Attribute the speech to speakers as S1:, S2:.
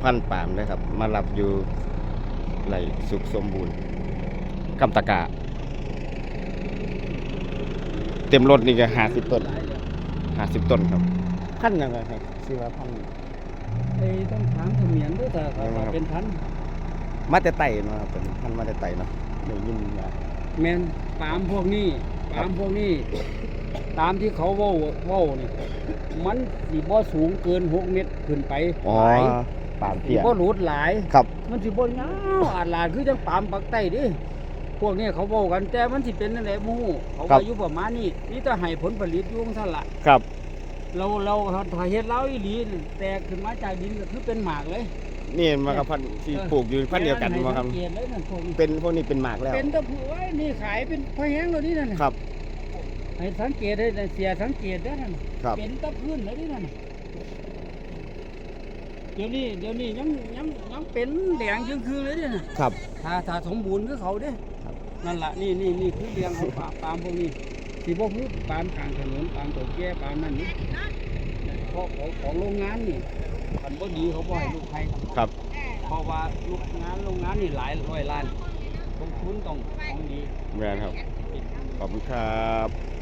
S1: พันธุ์ปาล์มเลยครับมารับอยู่ไหลสุขสมบูรณ์กำตะกาเต็มรถนี่ก็50 ต้น50 ต้นครับพันธุ์ยังไงครับชื่อว่าพันธุ์
S2: ไอ้ต้องถามเขมียนด้วยแต่เขาเป็นพันธุ์
S1: มาแต่ไต่เนาะครับเป็นพันธุ์มาแต่ไต่เนาะได้ยินว่า
S2: แมนปาล์มพวกนี้ปาล์มพวกนี้ตามที่เขาเว้านี่มันสิบ่สูงเกิน6 เมตรขึ้นไป
S1: อ๋อ
S2: หลาย
S1: ปาล์ม
S2: สิ
S1: เตี้ย
S2: บ่หลุดหลาย
S1: ครับ
S2: มันสิบ่ยาวอาดลาดคือจังปาล์มปักใต้ดิพวกนี้เขาเว้ากันแต่มันสิเป็นจังได๋บ่ฮู้เขาว่าอยู่ประมาณนี้นี่ถ้าให้ผลผลิตอยู่จังซั่นล่ะ
S1: ครับ
S2: เราถ้าเฮ็ดแล้วอีหลีนี่แตกขึ้นมาจากดินก็คือเป็นหมากเลย
S1: นี่มันกับพันธุ์ที่ปลูกอยู่พันธุ์เดียวกันมาครับ
S2: ให้สังเกตเลยนั่นพวกนี้
S1: เป็นพวกนี้เป็นหมากแล้ว
S2: เป็นตะผูไว้นี่ขายเป็นพะแห้งแล้วนี่นั่นน่ะ
S1: ครับ
S2: ให้สังเกตได้เสียสังเกตได้นั่น
S1: ครับ
S2: เป็นตะพื้นแล้วนี่นั่นเดี๋ยวนี้ยังเป็นแดงจึงคือเลยนี่น่ะ
S1: ครับ
S2: ถ้าสมบูรณ์คือเขาเด้นั่นล่ะนี่คือเลี้ยงของปาล์มพวกนี้สิบ่คือปาล์มกลางถนนปาล์มตัวแก่ปาล์มนั่นนี่เพราะของโรงงานนี่คันบ่ดีเขาบ่ให้ลูกใคร
S1: ครับ
S2: เพราะว่าโรงงานนี่หลายร้อยล้านลงทุนต้องของดี
S1: แม่นครับขอบคุณครับ